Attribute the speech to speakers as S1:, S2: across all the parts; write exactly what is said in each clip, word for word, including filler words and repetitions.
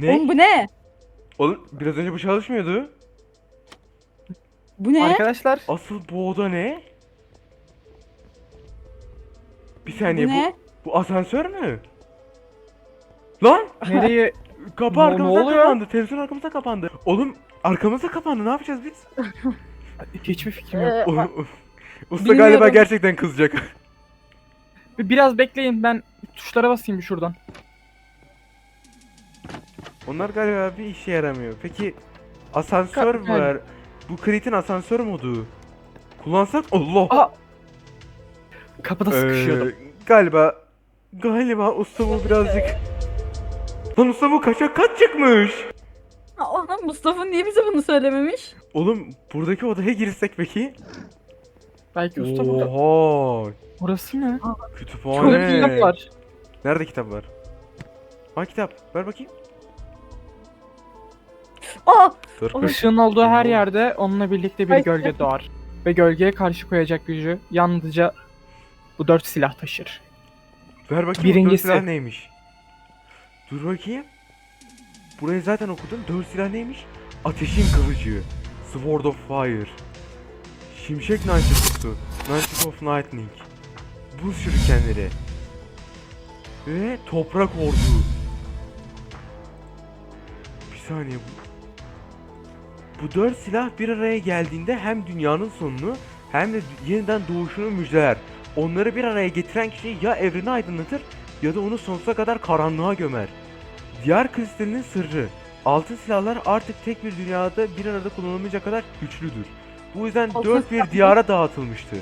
S1: Oğlum bu ne?
S2: Oğlum biraz önce bu çalışmıyordu.
S1: Bu ne?
S3: Arkadaşlar
S2: Asıl bu oda ne? Bir
S1: Bu
S2: saniye bu
S1: ne?
S2: bu asansör mü? Lan
S3: nereye
S2: kapı
S3: Ne- ne
S2: arkamıza
S3: oluyor?
S2: kapandı. Televizyon arkamıza kapandı. Oğlum arkamıza kapandı. Ne yapacağız biz?
S3: hiçbir fikrim yok.
S1: Ee,
S2: O- Usta
S1: bilmiyorum.
S2: galiba gerçekten kızacak.
S3: Bir- Biraz bekleyin, ben tuşlara basayım bir şuradan.
S2: Onlar galiba bir işe yaramıyor. Peki asansör
S3: Ka-
S2: var. Bu Krit'in asansör modu. Kullansak Allah.
S3: Aa! Kapıda
S2: Ee,
S3: sıkışıyordum.
S2: galiba galiba usta bu birazcık. Lan usta bu kaçak kaç çıkmış.
S1: Aa, oğlum Mustafa niye bize bunu söylememiş?
S2: Oğlum buradaki odaya girsek peki?
S3: Belki usta burada.
S2: Oha.
S3: Burası ne?
S1: Çok
S2: Kütüphane.
S1: iyi.
S3: Kitap var.
S2: Nerede kitap var? Ha kitap. Ver bakayım.
S1: Aa!
S2: Dur.
S1: Oğlum,
S3: Işığın olduğu her
S2: Oğlum.
S3: yerde onunla birlikte bir
S1: Ay.
S3: gölge doğar. Ve gölgeye karşı koyacak gücü yalnızca bu dört silah taşır.
S2: Ver bakayım.
S3: Birincisi.
S2: Dört silah neymiş? Dur bakayım. Burayı zaten okudum. Dört silah neymiş? Ateşin kılıcı. Sword of Fire. Şimşek nancısı. Nunchuck of Lightning. Buz şurikenleri. Ve toprak ordu. Bir saniye bu. Bu dört silah bir araya geldiğinde hem dünyanın sonunu hem de yeniden doğuşunu müjdeler. Onları bir araya getiren kişi ya evreni aydınlatır ya da onu sonsuza kadar karanlığa gömer. Diyar kristalinin sırrı. Altın silahlar artık tek bir dünyada bir arada kullanılmayacak kadar güçlüdür. Bu yüzden
S1: Altın
S2: dört bir
S1: silah-
S2: diyara dağıtılmıştır.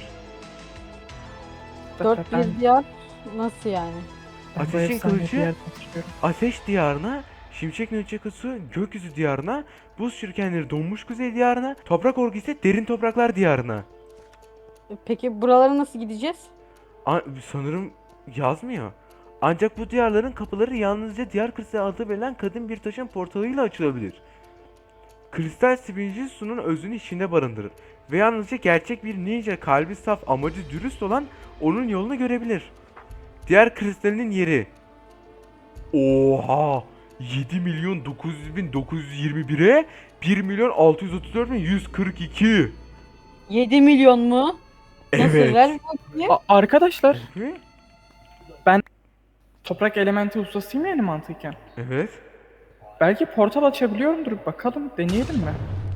S1: Dört
S3: Ben-
S1: bir diyar nasıl yani?
S3: ben bu
S2: Ateşin
S3: efsaneyi
S2: kılıcı-
S3: bir yerden hatırlıyorum.
S2: Ateş diyarına, Şimşek Nunchaku'su gökyüzü diyarına, buz şürkenleri donmuş kuzey diyarına, toprak orgu ise derin topraklar diyarına.
S1: Peki buralara nasıl gideceğiz?
S2: A- sanırım yazmıyor. Ancak bu diyarların kapıları yalnızca diyar kristal adı verilen kadın bir taşın portalıyla açılabilir. Kristal spinci sunun özünü içinde barındırır ve yalnızca gerçek bir ninja kalbi saf amacı dürüst olan onun yolunu görebilir. Diğer kristalinin yeri. Oha! yedi milyon dokuz yüz bin dokuz yüz yirmi bire bir milyon altı yüz otuz dört bin yüz kırk iki.
S1: yedi milyon mu? Nasıl?
S2: Evet.
S1: Ver bakayım.
S3: A- arkadaşlar,
S2: Evet.
S3: toprak elementi ustasıyım yani mantıken.
S2: Evet.
S3: Belki portal açabiliyorumdur. Bakalım, deneyelim mi?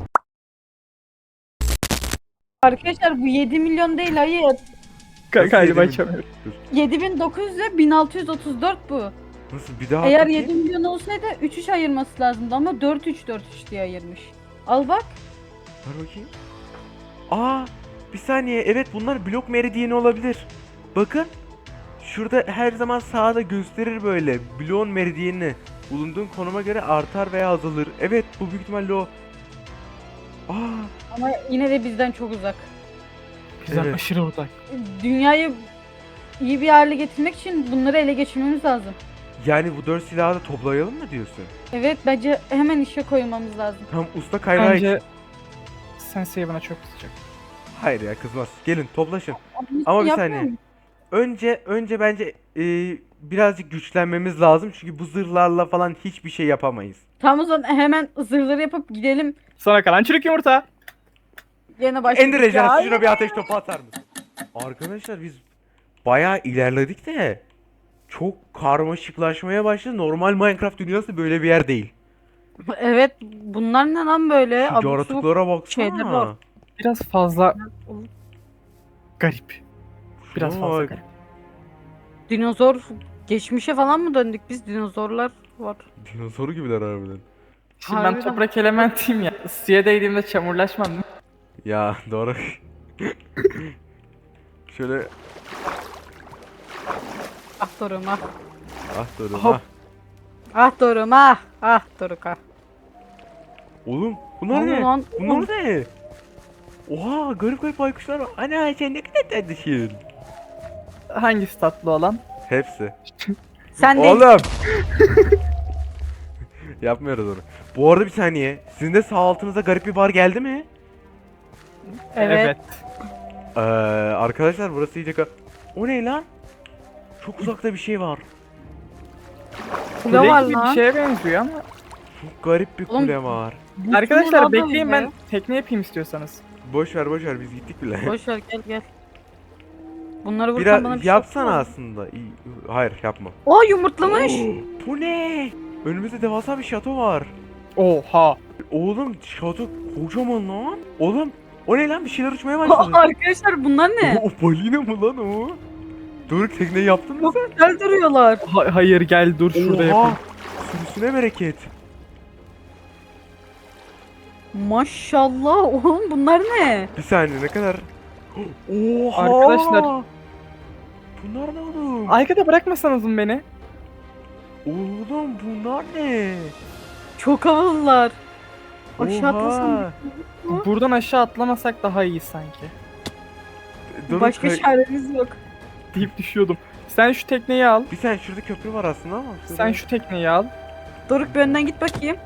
S1: Arkadaşlar bu yedi milyon değil, hayır.
S2: Nasıl
S3: Galiba
S2: yedi milyon?
S3: açamıyorum.
S1: yedi bin dokuz yüz ile bin altı yüz otuz dört bu.
S2: Nasıl bir daha
S1: Eğer
S2: bakayım?
S1: yedi milyon olsaydı üç üç ayırması lazımdı ama dört üç dört üç diye ayırmış. Al bak.
S2: Ver bakayım. Aa, bir saniye. Evet bunlar blok meridyeni olabilir. Bakın. Şurada her zaman sağda gösterir böyle bloğun meridyenini. Bulunduğun konuma göre artar veya azalır. Evet bu büyük ihtimalle o. Aa,
S1: Ama yine de bizden çok uzak.
S3: Bizden
S2: Evet.
S3: aşırı uzak.
S1: Dünyayı iyi bir hale getirmek için bunları ele geçirmemiz lazım.
S2: yani bu dört silahı da toplayalım mı diyorsun?
S1: Evet, bence hemen işe koymamız lazım.
S2: Tam usta kaynağı
S3: Bence
S2: için.
S3: Sensei bana çok kızacak.
S2: Hayır ya kızmaz. Gelin toplaşın.
S1: Bunu
S2: Ama bir
S1: yapmıyor
S2: saniye.
S1: muyum?
S2: Önce önce bence e, birazcık güçlenmemiz lazım. Çünkü bu zırhlarla falan hiçbir şey yapamayız.
S1: Tamam, o zaman hemen zırhları yapıp gidelim.
S3: Sana kalan çürük yumurta.
S1: Yine başladık.
S2: Ender
S1: ya.
S2: ejderhası şuna bir ateş topu atar mısın? Arkadaşlar biz bayağı ilerledik de çok karmaşıklaşmaya başladı. Normal Minecraft dünyası böyle bir yer değil.
S1: Evet, bunlar ne lan böyle?
S2: Şu
S1: Abuk subuk
S2: yaratıklara baksana.
S1: şeyler var.
S3: Biraz fazla garip. Biraz
S2: Şuna
S3: fazla
S2: bak.
S3: garip.
S1: Dinozor geçmişe falan mı döndük biz? Dinozorlar var.
S2: Dinozor gibiler harbiden.
S3: Şimdi ben
S1: Harbiden.
S3: toprak elementiyim ya. Suya değdiğimde çamurlaşmam değil mi?
S2: Ya doğru. Şöyle
S1: Ah Doruk ah.
S2: ah doğru
S3: Hop.
S2: ah.
S1: Ah Doruk ah. Ah Doruk ah.
S2: Oğlum bunlar
S1: Aman
S2: ne?
S1: lan,
S2: Bunlar
S1: oğlum.
S2: ne? Oha garip garip baykuşlar var. Ana sen ne kadar tatlısın.
S3: Hangisi tatlı olan?
S2: Hepsi.
S1: Sen de
S2: Oğlum. Yapmıyoruz onu. Bu arada bir saniye. Sizin de sağ altınıza garip bir bar geldi mi?
S1: Evet.
S2: Ee, arkadaşlar burası iyice ka- O ne lan? Çok uzakta bir şey var.
S1: kule
S3: Kule
S1: var
S3: gibi bir
S1: lan.
S3: şeye benziyor ama
S2: Çok garip bir
S1: Oğlum,
S2: kule var.
S1: Bu
S3: Arkadaşlar
S1: sınırlar da
S3: bekleyin,
S1: öyle
S3: ben
S1: ya.
S3: tekne yapayım istiyorsanız.
S2: Boş ver boş ver biz gittik bile.
S1: Boş ver gel gel. Bunları vursan
S2: Biraz
S1: bana bir şey
S2: yapsana
S1: yapma.
S2: aslında. İyi, hayır yapma.
S1: O yumurtlamış.
S2: Bu ne? Önümüzde devasa bir şato var.
S3: Oha.
S2: Oğlum şato kocaman lan. Oğlum o ne lan, bir şeyler uçmaya başladı.
S1: Arkadaşlar bunlar ne?
S2: O, o balina mı lan o? Doruk tekneyi yaptın mı
S1: Çok
S2: sen?
S1: güzel duruyorlar.
S3: Ha- hayır gel dur şurada
S2: Oha!
S3: yapayım.
S2: Sürüsüne bereket.
S1: Maşallah oğlum bunlar ne?
S2: Bir saniye ne kadar? Oha!
S3: Arkadaşlar-
S2: Bunlar ne oğlum?
S3: Arkada bırakmasanız mı beni?
S2: Oğlum bunlar ne?
S1: Çok havalılar. Aşağı atlasam.
S2: Oha!
S1: Hı?
S3: Buradan aşağı atlamasak daha iyi sanki.
S2: Doruk,
S1: Başka
S2: kay-
S1: çaremiz yok.
S3: Deyip düşüyordum. Sen şu tekneyi al.
S2: Bir saniye şurada köprü var aslında ama.
S3: Sen şu tekneyi al.
S1: Doruk bir önden git bakayım.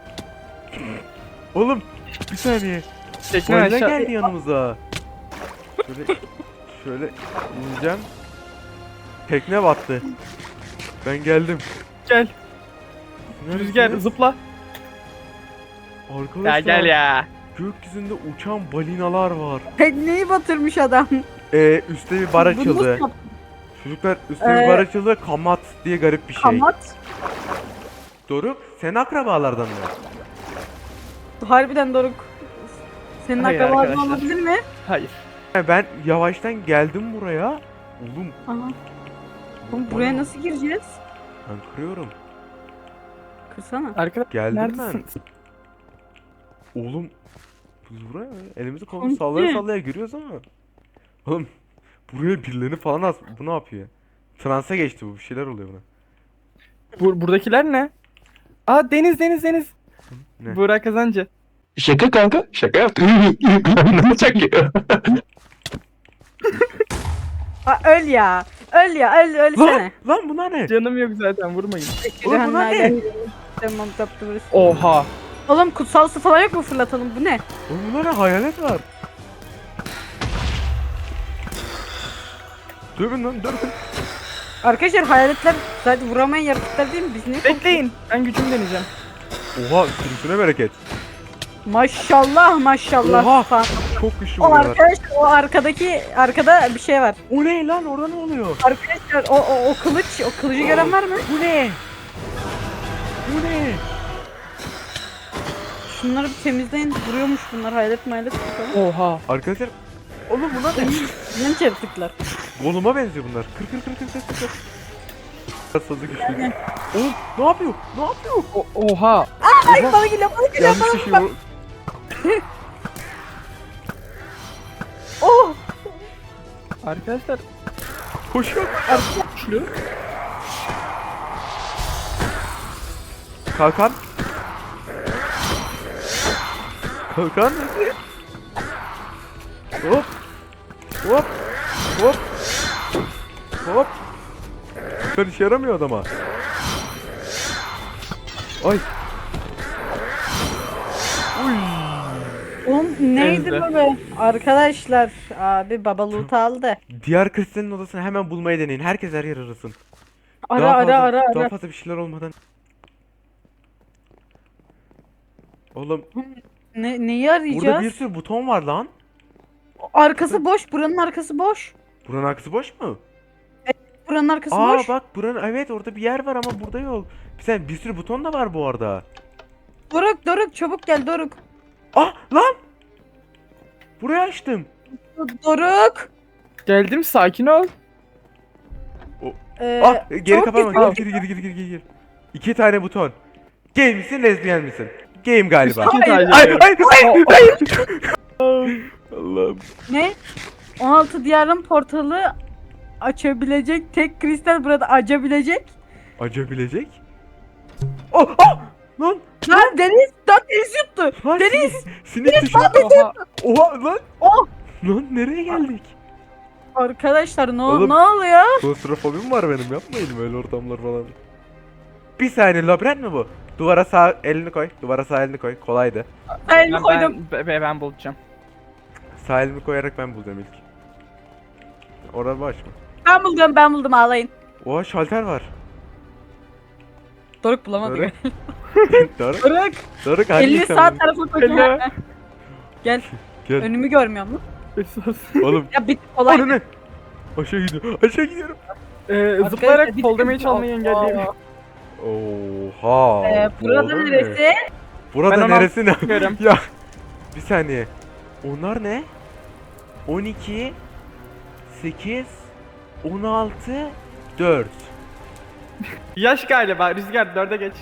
S2: Oğlum bir saniye.
S3: Tekne
S2: Balina
S3: aşağı.
S2: geldi yanımıza. Şöyle şöyle ineceğim. Tekne battı. Ben geldim.
S3: Gel.
S2: Neredesiniz?
S3: Rüzgar zıpla.
S2: Arkadaşlar
S3: Gel gel ya.
S2: gökyüzünde uçan balinalar var.
S1: Tekneyi batırmış adam.
S2: Ee, üstte bir bar
S1: Bunu nasıl
S2: açıldı.
S1: yaptın?
S2: Çocuklar üstte
S1: Ee,
S2: bir bar açıldı. Kamat diye garip bir şey.
S1: Kamat.
S2: Doruk senin akrabalardan mı?
S1: Harbiden Doruk. Senin
S3: Hayır
S1: akrabaların
S3: arkadaşlar.
S1: olabilir mi?
S3: Hayır.
S2: Ben yavaştan geldim buraya. Oğlum
S1: Aha. Oğlum buraya nasıl gireceğiz?
S2: ben kırıyorum.
S1: Kırsana.
S3: Arkadaşlar
S2: Geldim
S3: neredesin?
S2: ben. Oğlum biz buraya elimizi kolumuzu
S1: Komşu.
S2: sallaya sallaya giriyoruz ama. Oğlum buraya birilerini falan as. Bu ne yapıyor? Transa geçti bu. Bir şeyler oluyor buna.
S3: Bur buradakiler ne? Aa deniz deniz deniz.
S2: Ne?
S3: Burak Kazancı.
S4: Şaka kanka. Şaka yaptım. Ne olacak ya?
S1: Aa, öl ya. Öl ya. Öl
S2: Lan,
S1: ölsene.
S2: lan bunlar ne?
S3: Canım yok zaten vurmayın.
S2: Oğlum bunlar ne?
S1: Tamam taptı
S3: Oha.
S1: Oğlum kutsal su falan yok mu fırlatalım? Bu ne?
S2: Oğlum bunlar ne? Hayalet var. Dövün lan dövün.
S1: Arkadaşlar hayaletler zaten vuramayan yaratıklar değil mi? Biz ne?
S3: Bekleyin. Ben gücümü deneyeceğim.
S2: Oha sürüsüne bereket.
S1: Maşallah maşallah.
S2: Oha.
S1: falan.
S2: Çok güçlü
S1: O
S2: bunlar.
S1: arkadaşlar o arkadaki arkada bir şey var.
S2: O ne lan, orada ne oluyor?
S1: Arkadaşlar o o, o kılıç o kılıcı gören var mı?
S2: Bu ne? Bu ne?
S1: Şunları bir temizleyin. Duruyormuş bunlar hayalet mayalet falan.
S3: Oha.
S2: Arkadaşlar oğlum bunlar ne?
S1: Genç yaratıklar.
S2: Goluma benziyor bunlar. Kır kır kır kır kır kır. Biraz fazla güçlü. Oğlum ne yapıyor? Ne yapıyor?
S3: O oha.
S1: Ay bana geliyor bana geliyor
S2: Yanlış bir şey bu.
S1: Oh!
S3: Arkadaşlar
S2: Koşuyor.
S3: güçlü.
S2: Kalkan. Kalkan. Hop. Hop. Hop. Hop. Ben işe yaramıyor adama. Ay. Uy.
S1: Oğlum neydi
S3: Temizle.
S1: bu be? Arkadaşlar abi baba loot aldı.
S2: Diğer Kristen'in odasını hemen bulmayı deneyin. Herkes her yer arasın.
S1: Ara
S2: Daha
S1: ara
S2: fazla-
S1: ara
S2: Daha
S1: ara.
S2: fazla bir şeyler olmadan. Oğlum
S1: Ne, neyi
S2: burada
S1: arayacağız?
S2: bir sürü buton var lan.
S1: Arkası boş. Buranın arkası boş.
S2: Buranın arkası boş mu?
S1: Buranın arkası
S2: Aa
S1: boş.
S2: bak buranın, evet orada bir yer var ama burada yok. Bir sen bir sürü buton da var bu arada.
S1: Doruk Doruk çabuk gel Doruk.
S2: Ah lan! Burayı açtım.
S1: Doruk.
S3: Geldim sakin ol.
S1: Ee,
S2: Ah geri
S1: çabuk
S2: kapama.
S1: git,
S2: Gir gir gir gir gir gir gir. İki tane buton. Gay misin, lezbiyen misin? Gayim galiba.
S3: İki
S1: Hayır,
S3: tane.
S2: Hayır hayır hayır hayır. Allah'ım.
S1: Ne? on altı diyarın portalı açabilecek tek kristal burada açabilecek.
S2: Acabilecek. Oh ah! Lan!
S1: Lan deniz, lan deniz yuttu.
S2: Lan
S1: Deniz!
S2: Sinek, sinek düştü.
S3: Oha.
S2: Oha lan!
S1: Oh!
S2: Lan nereye geldik?
S1: Arkadaşlar ne,
S2: Oğlum.
S1: ne oluyor?
S2: Klostrofobim var benim, yapmayın öyle ortamlar falan. Bir saniye, labirent mi bu? Duvara sağ elini koy, duvara sağ elini koy, kolaydı.
S1: Ben
S3: Ben,
S1: koydum.
S3: ben, ben, ben bulacağım.
S2: Sağ elimi koyarak ben bulacağım ilk. Orada baş mı?
S1: Ben buldum ben buldum ağlayın.
S2: Oha şalter var.
S1: Doruk bulamadı.
S2: Öyle. Doruk,
S1: Doruk.
S2: Doruk hangi
S1: Elini
S2: sen
S1: sağ
S2: bunu?
S1: tarafa koy.
S3: Hello.
S1: Gel.
S2: Gel.
S1: Önümü görmüyor musun?
S3: Esas.
S2: Oğlum.
S1: Ya bir kolay.
S2: Onu ne? Aşağı gidiyorum. Aşağı gidiyorum.
S3: Ee,
S1: Arkadaşlar,
S3: zıplayarak
S1: bir
S3: fall damage
S1: dakika.
S3: almayı engelleyelim.
S2: Oha.
S1: Ee, burada
S2: Oğlum ne?
S1: neresi?
S2: Burada
S3: Ben
S2: neresi ne?
S3: Görüm.
S2: Ya. Bir saniye. Onlar ne? on iki, sekiz, on altı, dört.
S3: Yaş galiba. Rüzgar dörde geç.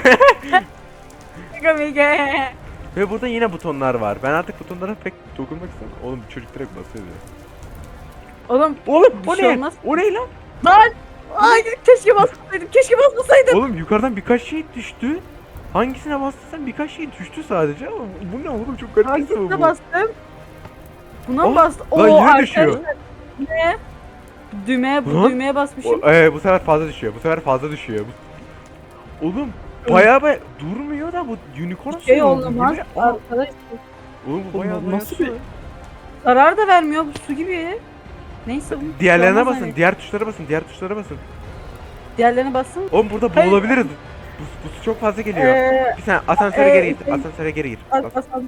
S1: Mega.
S2: Ve burada yine butonlar var. Ben artık butonlara pek dokunmak istemiyorum. Oğlum çocuk direkt basıyor ya.
S1: Oğlum.
S2: Oğlum
S1: Bir
S2: o
S1: şey
S2: ne?
S1: olmaz.
S2: O ne lan?
S1: Lan. Ay keşke basmasaydım. Keşke basmasaydım.
S2: Oğlum yukarıdan birkaç şey düştü. Hangisine bastıysan birkaç şey düştü sadece ama bu ne oğlum çok garip bir şey
S1: Hangisine
S2: bu.
S1: bastım? Buna mı
S2: Oh,
S1: bastım?
S2: lan
S1: Oo,
S2: yine düşüyor.
S1: arkadaşlar. Ne? Düğmeye, bu
S2: Lan.
S1: düğmeye basmışım.
S2: O, ee, bu sefer fazla düşüyor. Bu sefer fazla düşüyor. Bu... Oğlum bayağı bayağı durmuyor da bu unicorn
S1: Bir şey
S2: suyu oldu.
S1: olmaz.
S2: Bu ne? Aa,
S1: Arkadaşlar.
S2: Oğlum bu bayağı
S3: Oğlum,
S2: bayağı
S3: nasıl
S2: su.
S3: bir-
S1: Zarar da vermiyor bu su gibi. Neyse. bu-
S2: Diğerlerine
S1: olmaz
S2: basın.
S1: hani.
S2: Diğer tuşlara basın. Diğer tuşlara basın.
S1: Diğerlerine basın.
S2: Oğlum burada
S1: Hayır.
S2: boğulabiliriz. Bu, bu su çok fazla geliyor.
S1: Ee,
S2: Bir saniye asansöre
S1: ee,
S2: geri git.
S1: şey-
S2: Asansöre geri git.
S1: bas,
S2: As-
S1: bas, bas.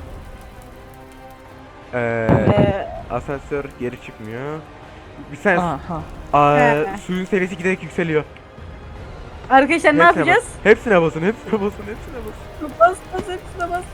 S2: ee,
S1: Ee,
S2: asansör geri çıkmıyor. Bir saniye.
S3: Aha.
S2: Aa,
S1: He.
S2: suyun seviyesi giderek yükseliyor.
S1: arkadaşlar ne
S2: Hepsine
S1: yapacağız?
S2: bas. Hepsine basın. Hepsine basın. Hepsine basın.
S1: Bas bas hepsine bas.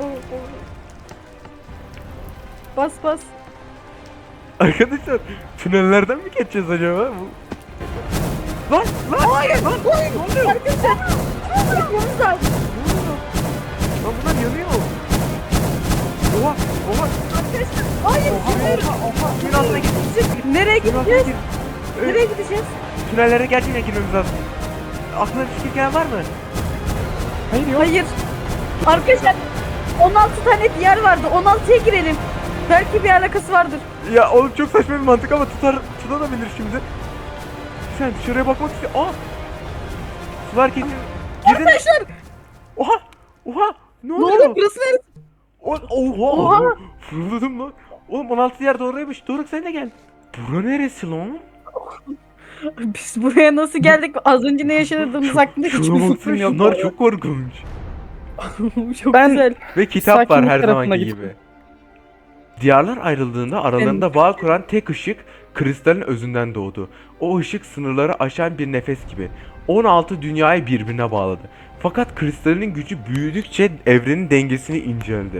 S1: Bas bas.
S2: Arkadaşlar tünellerden mi geçeceğiz acaba? Bu... Lan lan
S1: Hayır. Hayır.
S2: ne oluyor?
S1: Arkadaşlar. Yapmamız lazım.
S2: Lan bunlar yanıyor. Oha oha.
S1: Arkadaşlar. Hayır. Hayır.
S2: Suyun altına git.
S1: Nereye
S2: Suyun altına
S1: gideceğiz?
S2: gir. Evet,
S1: Nereye gideceğiz?
S2: tünellere gerçekten girmemiz lazım. Aklına bir fikir gelen var mı?
S3: Hayır yok.
S1: Hayır. Arkadaşlar on altı tane diğer vardı. on altıya girelim. Belki bir alakası vardır.
S2: Ya oğlum çok saçma bir mantık ama tutar tutanabilir şimdi. Sen dışarıya bakmak istiyor. Aa! Sular kesin. Girdin.
S1: Arkadaşlar
S2: Oha! Oha! Ne
S1: ne
S2: oluyor?
S1: oluyor? Burası neresi?
S2: O- Oha!
S1: Oha!
S2: Fırladım lan. Oğlum on altı yer doğruymuş. Doruk sen de gel. Bura neresi lan?
S1: Biz buraya nasıl geldik? Az önce ne yaşadığımız hakkında hiçbir
S2: Şuna
S1: fikrim
S2: baksana
S1: yok.
S2: şunlar çok korkunç.
S1: Çok
S3: Ben-
S1: güzel.
S2: Ve kitap var
S3: Sakinlik
S2: her
S3: tarafına
S2: zamanki
S3: gittim.
S2: gibi. Diyarlar ayrıldığında aralarında bağ kuran tek ışık kristalin özünden doğdu. O ışık sınırları aşan bir nefes gibi. on altı dünyayı birbirine bağladı. Fakat kristalinin gücü büyüdükçe evrenin dengesini inceldi.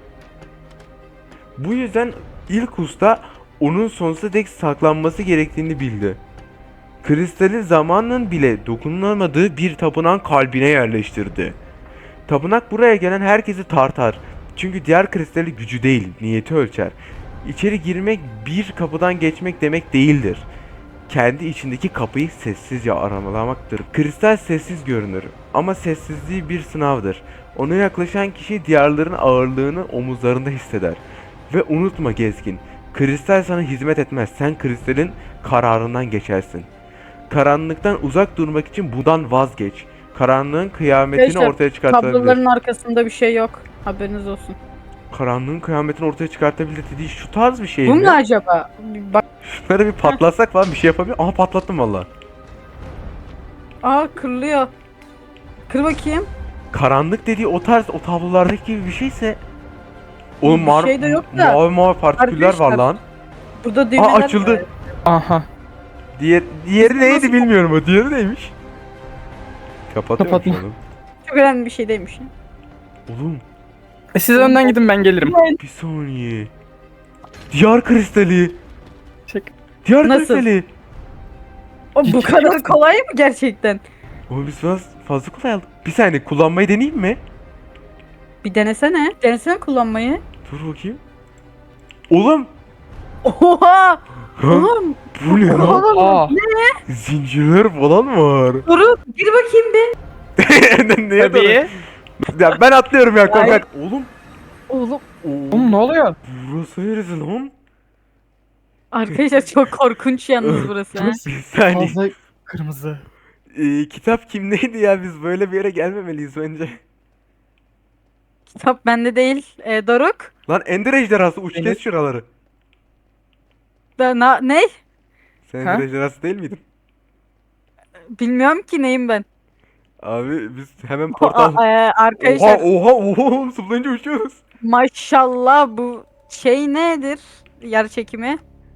S2: Bu yüzden ilk usta onun sonsuza dek saklanması gerektiğini bildi. Kristali zamanın bile dokunulamadığı bir tapınağın kalbine yerleştirdi. Tapınak buraya gelen herkesi tartar. Çünkü diğer kristali gücü değil, niyeti ölçer. İçeri girmek bir kapıdan geçmek demek değildir. Kendi içindeki kapıyı sessizce aramalamaktır. Kristal sessiz görünür ama sessizliği bir sınavdır. Ona yaklaşan kişi diyarların ağırlığını omuzlarında hisseder. Ve unutma gezgin, kristal sana hizmet etmez. Sen kristalin kararından geçersin. Karanlıktan uzak durmak için bundan vazgeç. Karanlığın kıyametini
S1: Arkadaşlar,
S2: ortaya çıkartabilir.
S1: Kabloların arkasında bir şey yok. Haberiniz olsun.
S2: Karanlığın kıyametini ortaya çıkartabilir dediği şu tarz bir şey
S1: Bu
S2: mi?
S1: mu acaba? Bir bak.
S2: Şunları bir patlatsak falan bir şey yapabilir. Aha patlattım valla.
S1: Aa kırılıyor. Kır bakayım.
S2: Karanlık dediği o tarz o tablolardaki gibi bir şeyse oğlum
S1: Bir
S2: mar
S1: şey de yok da.
S2: mavi mavi partiküller var
S1: Arkadaşlar,
S2: lan.
S1: Burada düğmeler
S2: Aa açıldı.
S1: var.
S3: Aha.
S2: Diğer diğeri
S1: Biz
S2: neydi
S1: nasıl-
S2: bilmiyorum o. Diğeri neymiş? Kapatıyor
S3: Kapatma.
S2: oğlum.
S1: Çok önemli bir şey değilmiş.
S2: Oğlum
S3: E siz önden gidin ben gelirim.
S2: bir saniye. Diyar kristali.
S3: Çek.
S2: Diyar
S1: Nasıl?
S2: kristali.
S1: O bu kadar kolay mı gerçekten?
S2: Oğlum biz biraz fazla kolay aldık. Bir saniye kullanmayı deneyeyim mi?
S1: Bir denesene. Denesene kullanmayı.
S2: Dur bakayım. Oğlum.
S1: Oha!
S2: Ha,
S1: Oğlum!
S2: bu ne lan?
S3: Aa.
S2: Zincirler falan var.
S1: Dur, gir bakayım bir.
S2: Neye
S3: Tabii.
S2: doğru? Ya ben atlıyorum ya korkak. Oğlum.
S1: Oğlum
S2: Oo,
S3: Oğlum ne oluyor?
S2: burası neresi lan?
S1: arkadaşlar çok korkunç yalnız burası. ha.
S2: Bir saniye.
S3: Fazla kırmızı.
S2: Ee, kitap kimdeydi ya? Biz böyle bir yere gelmemeliyiz bence.
S1: Kitap bende değil. E, Doruk.
S2: Lan Ender ejderhası uç
S3: Benim-
S2: kes şuraları.
S1: Da, na, ne?
S2: Sen
S3: Ha?
S2: Ender ejderhası değil miydin?
S1: Bilmiyorum ki neyim ben.
S2: Abi biz hemen
S1: Aa,
S2: portal...
S1: e, arkadaşlar
S2: Oha oha oha zıplayınca uçuyoruz.
S1: maşallah bu şey nedir? Yer çekimi.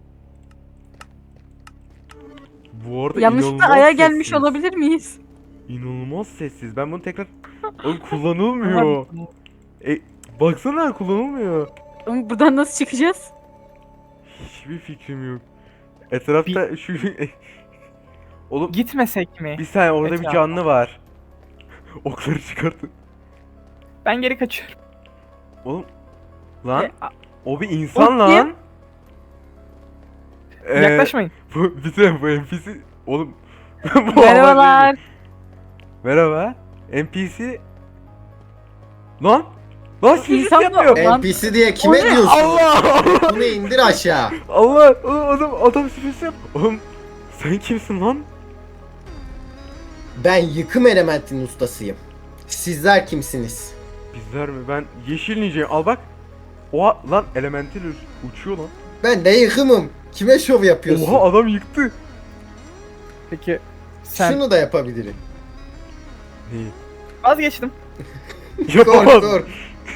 S2: Bu arada
S1: Yanlışlıkla
S2: inanılmaz
S1: aya gelmiş
S2: sessiz.
S1: olabilir miyiz?
S2: İnanılmaz sessiz. Ben bunu tekrar... Oğlum kullanılmıyor. E, baksana kullanılmıyor.
S1: Oğlum buradan nasıl çıkacağız?
S2: Hiçbir fikrim yok. Etrafta şu... Oğlum
S3: Gitmesek mi?
S2: bir saniye orada bir
S3: Etrafa.
S2: canlı var. Okları çıkartın.
S3: Ben geri kaçıyorum.
S2: Oğlum lan
S1: E, a-
S2: o bir insan
S1: O kim?
S2: lan. Ee,
S3: Yaklaşmayın.
S2: Bu bir saniye bu N P C oğlum. Bu adam
S1: Merhabalar.
S2: değil. Merhaba. N P C. Lan. Lan sürücü
S1: İnsan mı?
S2: yapıyor.
S1: Lan-
S5: N P C diye kime
S1: O ne?
S5: diyorsun?
S2: Allah.
S5: Bunu indir aşağı.
S2: Allah. Oğlum adam adam sürücü yap. Oğlum sen kimsin lan?
S5: Ben yıkım elementinin ustasıyım. Sizler kimsiniz?
S2: Bizler mi? Ben yeşil ninjayım. Al bak. Oha lan elemental uç- uçuyor lan.
S5: Ben de yıkımım. Kime şov yapıyorsun?
S2: Oha adam yıktı.
S3: Peki sen
S5: Şunu da yapabilirim.
S2: Neyi?
S3: vazgeçtim.
S2: Yapamaz.
S5: Dur dur.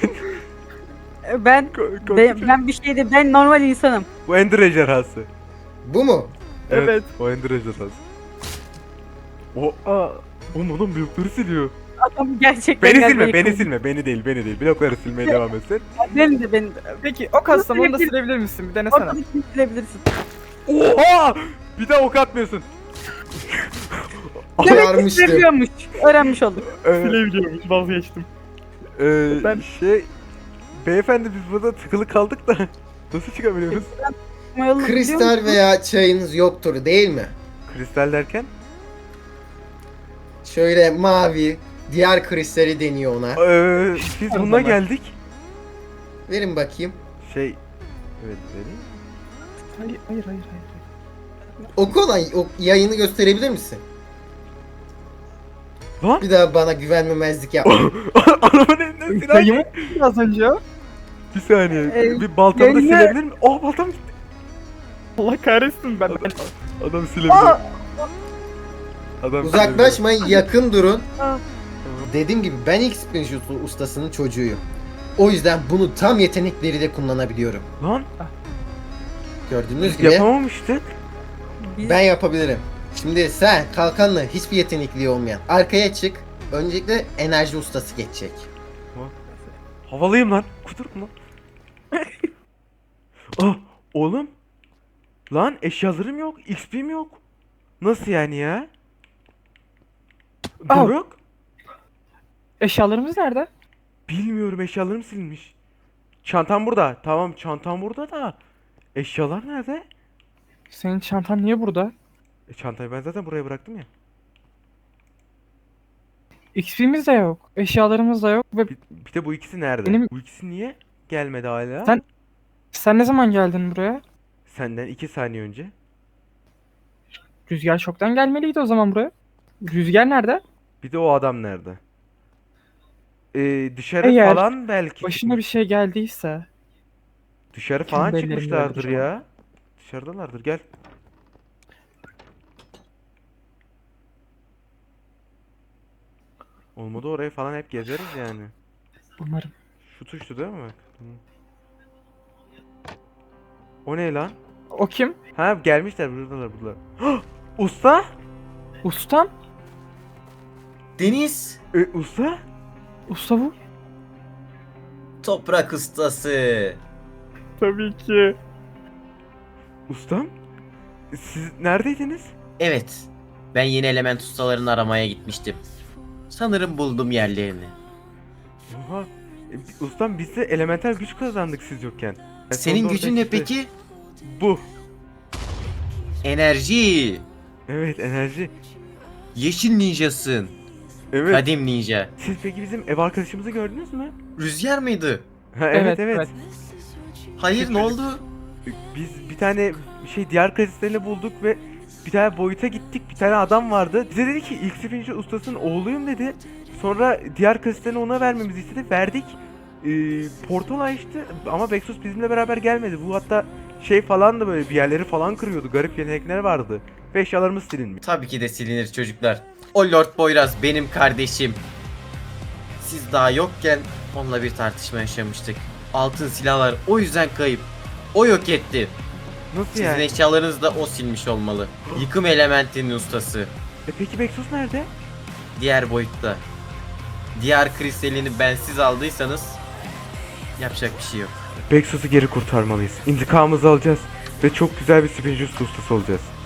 S1: Ben
S2: Ko- ko-
S1: ben, ben bir şeyde ben normal insanım.
S2: Bu Ender ejderhası.
S5: Bu mu?
S2: Evet.
S3: Evet.
S2: O Ender ejderhası. O
S3: Aa,
S2: oğlum adam blokları siliyor.
S1: Adam gerçekten
S2: Beni
S1: gelmeyi
S2: silme, beni
S1: kabul-
S2: silme, beni değil, beni değil. Blokları silmeye devam etsin.
S1: Beni de beni de.
S3: peki o kastam onu da silebilir misin? Bir denesene.
S1: Ortalık silebilirsin.
S2: Oha! Bir daha ok atmıyorsun.
S1: Demek ki
S5: Uyarmıştım.
S1: seviyormuş. Öğrenmiş olduk.
S2: Ee,
S3: Silebiliyormuş vazgeçtim.
S2: e,
S3: Ben-
S2: şey... Beyefendi biz burada tıkılı kaldık da nasıl çıkabiliyoruz?
S1: Ama yolunu biliyor
S5: Kristal
S1: musun?
S5: veya çayınız yoktur değil mi?
S2: Kristal derken?
S5: Şöyle mavi, diğer kristali deniyor ona.
S2: Ee, biz
S3: Her
S2: bununla
S3: zaman.
S2: geldik.
S5: Verin bakayım.
S2: Şey... Evet, vereyim.
S3: Hayır hayır hayır. hayır.
S5: Oku olan o yayını gösterebilir misin?
S2: Lan!
S5: Bir daha bana güvenmemezlik yapma.
S2: Arabanın elinden silah...
S3: Dayımı az önce ya.
S2: Bir saniye,
S1: Ee,
S2: bir baltamı da
S1: yayını-
S2: silebilir mi? Oh baltam gitti.
S3: Allah kahretsin ben.
S2: Adam silebilir. Adam
S5: Uzaklaşmayın, yakın durun.
S1: Aa.
S5: Dediğim gibi ben X-Pinjut ustasının çocuğuyum. O yüzden bunu tam yetenekleriyle kullanabiliyorum.
S2: silebilir. Lan
S5: Gördüğünüz
S2: biz
S5: gibi
S2: yapamamıştık.
S1: Biz-
S5: ben yapabilirim. Şimdi sen kalkanla hiçbir yetenekliği olmayan arkaya çık. Öncelikle enerji ustası geçecek.
S2: Havalıyım lan. Kudurum lan. Ah oğlum. Lan eşyalarım yok. X P'm yok. Nasıl yani ya?
S3: Al.
S2: Doruk?
S3: Eşyalarımız nerede?
S2: Bilmiyorum eşyalarım silinmiş. Çantam burada. Tamam çantam burada da. Eşyalar nerede?
S3: Senin çantan niye burada?
S2: E, çantayı ben zaten buraya bıraktım ya.
S3: X P'miz de yok. Eşyalarımız da yok. Ve
S2: Bir, bir de bu ikisi nerede?
S3: Benim-
S2: Bu ikisi niye gelmedi hala?
S3: Sen- sen ne zaman geldin buraya?
S2: Senden iki saniye önce.
S3: Rüzgar çoktan gelmeliydi o zaman buraya. Rüzgar nerede?
S2: Bir de o adam nerede? Ee, dışarı
S3: Eğer
S2: falan belki.
S3: Başına bir şey geldiyse.
S2: Dışarı falan
S3: Kendi ellerimle
S2: çıkmışlardır
S3: yapacağım.
S2: ya. Dışarıdalardır gel. Olmadı oraya falan hep gezeriz yani.
S3: Umarım.
S2: Şu tuştu değil mi bak? Hı. O ne lan?
S3: O kim?
S2: Ha gelmişler buradalar buradalar. Hah! Usta?
S3: Ustam?
S6: Deniz
S2: E, usta?
S3: Usta bu.
S6: toprak ustası.
S3: Tabii ki.
S2: Ustam? Siz neredeydiniz?
S6: Evet, ben yeni element ustalarını aramaya gitmiştim. Sanırım buldum yerlerini.
S2: Oha. E, ustam biz de elemental güç kazandık siz yokken. E,
S6: Senin
S2: sonunda
S6: gücün
S2: ortaya
S6: ne
S2: çıktı.
S6: peki?
S2: Bu.
S6: Enerji.
S2: Evet enerji.
S6: Yeşil ninjasın.
S2: Evet.
S6: Kadim ninja.
S2: Siz peki bizim ev arkadaşımızı gördünüz mü?
S6: Rüzgar mıydı?
S2: Ha, evet,
S3: Evet,
S2: evet
S3: evet.
S6: Hayır, ne oldu?
S2: Biz bir tane şey diğer kristalini bulduk ve bir tane boyuta gittik. Bir tane adam vardı. Bize dedi ki ilk sefinci ustasının oğluyum dedi. Sonra diğer kristalini ona vermemizi istedi. Verdik. Ee, portal açtı ama Bexus bizimle beraber gelmedi. Bu hatta şey falan da böyle bir yerleri falan kırıyordu. Garip yetenekler vardı. Ve eşyalarımız silinmiş.
S6: Tabii ki de silinir çocuklar. O Lord Boyraz benim kardeşim. Siz daha yokken onunla bir tartışma yaşamıştık. Altın silahlar o yüzden kayıp. O yok etti.
S2: Nasıl
S6: Sizin
S2: yani?
S6: eşyalarınızı da o silmiş olmalı. Yıkım elementinin ustası.
S2: E peki Vexus nerede?
S6: Diğer boyutta. Diğer kristalini bensiz aldıysanız yapacak bir şey yok.
S2: Vexus'u geri kurtarmalıyız. İntikamımızı alacağız ve çok güzel bir Spiritus ustası olacağız.